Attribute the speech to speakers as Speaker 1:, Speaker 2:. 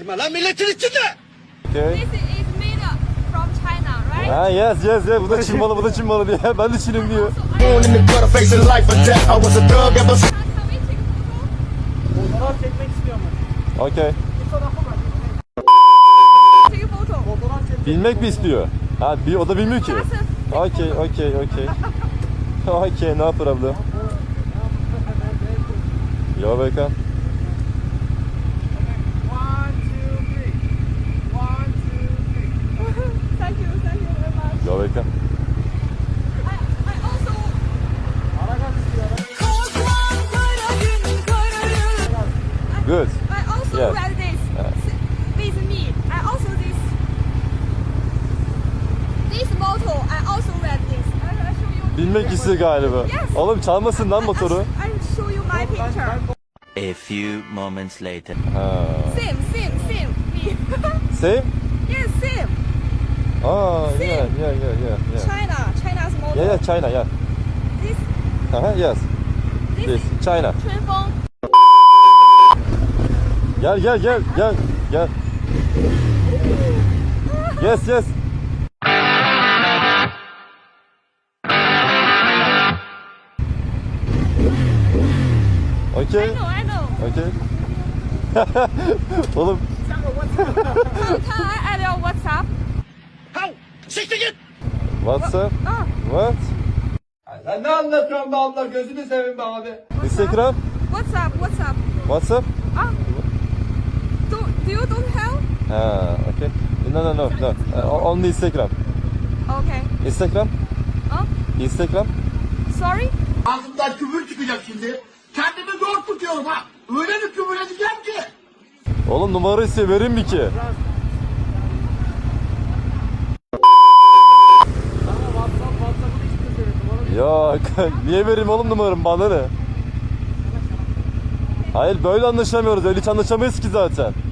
Speaker 1: Bağırma lan milletin içinde.
Speaker 2: Okay.
Speaker 3: This is made up from China, right?
Speaker 2: Ha yes. Bu da Çin malı, bu da Çin malı diye. Ben de Çin'im diyor.
Speaker 1: Born in the gutter facing life or death. I was a thug ever since.
Speaker 3: Can we take a photo?
Speaker 4: Fotoğraf çekmek istiyorum ben.
Speaker 2: Okay.
Speaker 4: Bir fotoğrafı var.
Speaker 3: Take a photo.
Speaker 4: Fotoğraf çekmek.
Speaker 2: Bilmek mi istiyor? Ha, o da bilmiyor ki.
Speaker 3: That's a
Speaker 2: Okay. Okay, no problem. You're welcome.
Speaker 4: 1, 2, 3. 1, 2, 3.
Speaker 3: Thank you very much.
Speaker 2: You're welcome.
Speaker 3: I also
Speaker 4: Aragan istiyor.
Speaker 2: Good.
Speaker 3: I also
Speaker 2: Yes.
Speaker 3: read this with me. I also this motto. I also read this. I show you.
Speaker 2: Bilmek istiyor galiba.
Speaker 3: Yes.
Speaker 2: Oğlum çalmasın lan motoru.
Speaker 3: I show you my picture.
Speaker 5: A few moments later.
Speaker 2: Ha.
Speaker 3: Same. Me.
Speaker 2: Same?
Speaker 3: Yes, same.
Speaker 2: Yeah.
Speaker 3: China's motto.
Speaker 2: Yeah, China, yeah.
Speaker 3: This
Speaker 2: Yes.
Speaker 3: this
Speaker 2: This,
Speaker 3: is
Speaker 2: China.
Speaker 3: Chunfeng.
Speaker 2: Gel. Yes. Okay.
Speaker 3: I know.
Speaker 2: Okay. Oğlum
Speaker 3: Can I add your WhatsApp?
Speaker 1: Hav! Siktir git.
Speaker 2: WhatsApp.
Speaker 3: Oh,
Speaker 2: What?
Speaker 4: Sen ne anlatıyorsun be abla? Gözünü seveyim be abi.
Speaker 2: Instagram?
Speaker 3: WhatsApp.
Speaker 2: WhatsApp?
Speaker 3: Ah. Do you don't have?
Speaker 2: Okay. No. Only Instagram.
Speaker 3: Okay.
Speaker 2: Instagram?
Speaker 3: Oh,
Speaker 2: Instagram?
Speaker 3: sorry.
Speaker 1: Ağzımdan küfür çıkacak şimdi. Kendimi zor tutuyorum ha. Öyle bir küfür edeceğim ki.
Speaker 2: Oğlum numara istiyor, vereyim mi ki?
Speaker 4: Sana WhatsApp'ını istiyor senin.
Speaker 2: Yok. Niye vereyim oğlum numaramı, bana ne? Hayır, böyle anlaşamıyoruz. Öyle hiç anlaşamayız ki zaten.